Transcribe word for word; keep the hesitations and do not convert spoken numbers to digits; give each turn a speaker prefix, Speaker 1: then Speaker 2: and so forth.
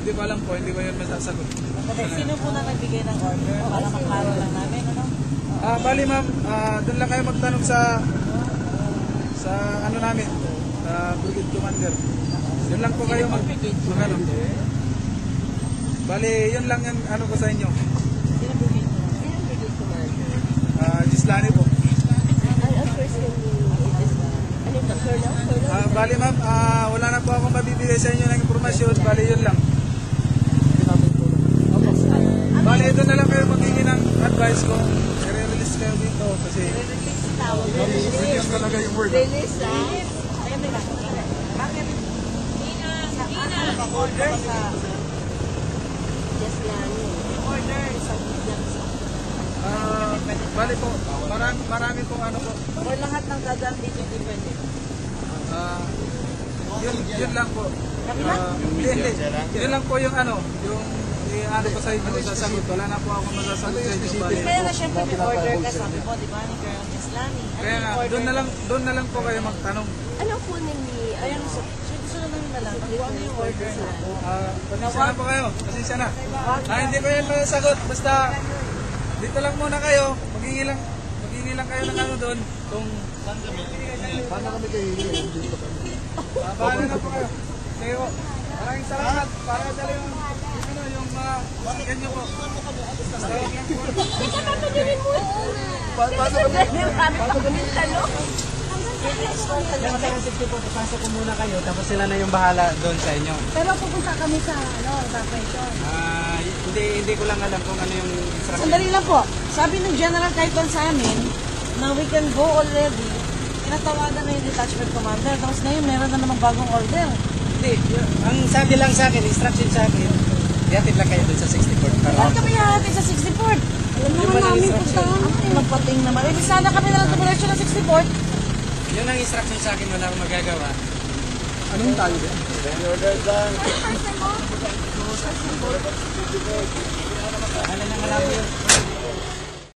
Speaker 1: hindi ko alam po, hindi ko yun masasagot.
Speaker 2: Okay, sino po na nagbigay ng order? Para maklaro lang namin, ano?
Speaker 1: Ah, bali ma'am, ah, doon lang kayo magtanong sa sa ano namin, sa Brigade Commander. Yun lang po kayo mag, mag ano. Bali, yun lang yung ano ko sa inyo.
Speaker 2: Sino Brigade Commander? Sino Brigade Commander?
Speaker 1: Ah, Gislani po.
Speaker 2: Ay, of course, yung ano ito, Colonel?
Speaker 1: Ah, bali ma'am, ah, wala na po akong mabibigay sa inyo ng impormasyon. Bali, yun lang. Bali, ito na lang kayo magiging ng advice ko. I-release kayo dito kasi
Speaker 2: Release ang tawag.
Speaker 1: release talaga yung word.
Speaker 2: Release, ha? Ayun, may nakikita. Bakit? Ina, Ina. Order sa... Yes, yan. Order sa...
Speaker 1: Ah, bali po, marami, marami pong ano po.
Speaker 2: Or lahat ng dadaan dito depende.
Speaker 1: Ah, yun, yun lang po. Ah, hindi, hindi. Yun lang po yung ano, yung eh, ano ko sa inyo, sasagot. Wala na po ako masasagot sa inyo. Bali.
Speaker 2: Kaya nga syempre may order ka, sabi mo, di ba, ni Colonel Gislani.
Speaker 1: Kaya nga, doon na lang, doon na lang po kayo magtanong.
Speaker 2: Ano po ni... Ayan, so, gusto naman na lang, kung ano yung order na.
Speaker 1: Ah, pasensya na po kayo. Pasensya na. Ah, hindi ko yan masasagot. Basta, dito lang muna kayo. Maghingi lang, maghingi lang kayo ng ano doon. Kung saan kami.
Speaker 3: Paano kami kayo hindi dito kami?
Speaker 1: Ah, bahala na po kayo. Sige po. Maraming salamat. Para dali yung, yung, ano, yung mga masakyan nyo po. Basta wag lang po.
Speaker 3: Paano kami?
Speaker 2: Paano kami talo?
Speaker 1: Sige po, pasok ko muna kayo. Tapos sila na yung bahala doon sa inyo.
Speaker 4: Pero pupunta kami sa ano, evacuation.
Speaker 1: Ah, hindi hindi ko lang alam kung ano yung instruction.
Speaker 2: Sandali lang po. Sabi ng General Kaiton sa amin na we can go already. Tinatawagan na yung detachment commander. Tapos ngayon meron na namang bagong order.
Speaker 1: Hindi, y- ang sabi lang sa akin, instruction sa akin, ihatid lang kayo doon sa sixty-fourth.
Speaker 2: Bakit kami hahatid sa sixty-fourth?
Speaker 4: Alam naman namin puntahan.
Speaker 2: Ay, magpating naman. Eh, sana kami na lang tumulasyon ng sixty-fourth.
Speaker 1: Yun ang instruction sa akin, wala akong magagawa.
Speaker 3: Anong tayo ba?
Speaker 1: Ano na malabo yun?